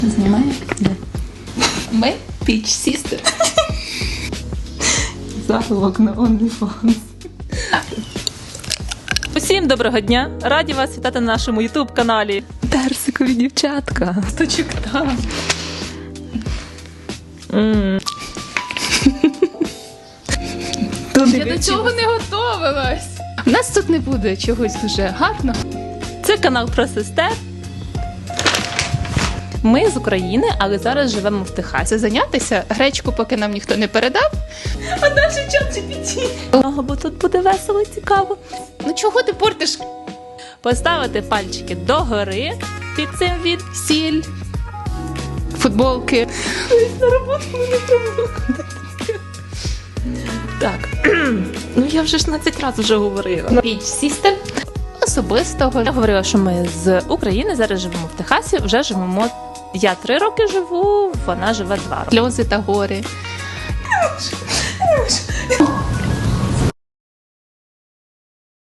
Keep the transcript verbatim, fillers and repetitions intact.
Знімає? Де? Ми Peach Sister. Заголовок на OnlyFans. Усім доброго дня! Раді вас вітати на нашому ютуб-каналі. Персикові дівчатка. Точок там. Mm. Я до цього не готувалась. У нас тут не буде чогось дуже гарного. Це канал про сестер. Ми з України, але зараз живемо в Техасі. Це зайнятися гречку, поки нам ніхто не передав. А наш чат джі пі ті. Бо тут буде весело і цікаво. Ну чого ти портиш Поставити пальчики догори під цим від. сіль, футболки? На роботу не треба. Так. Ну я вже шістнадцять разів вже говорила. Peach Sister особистого. Я говорила, що ми з України, зараз живемо в Техасі, вже живемо. Я три роки живу, вона живе два роки. Сльози та гори.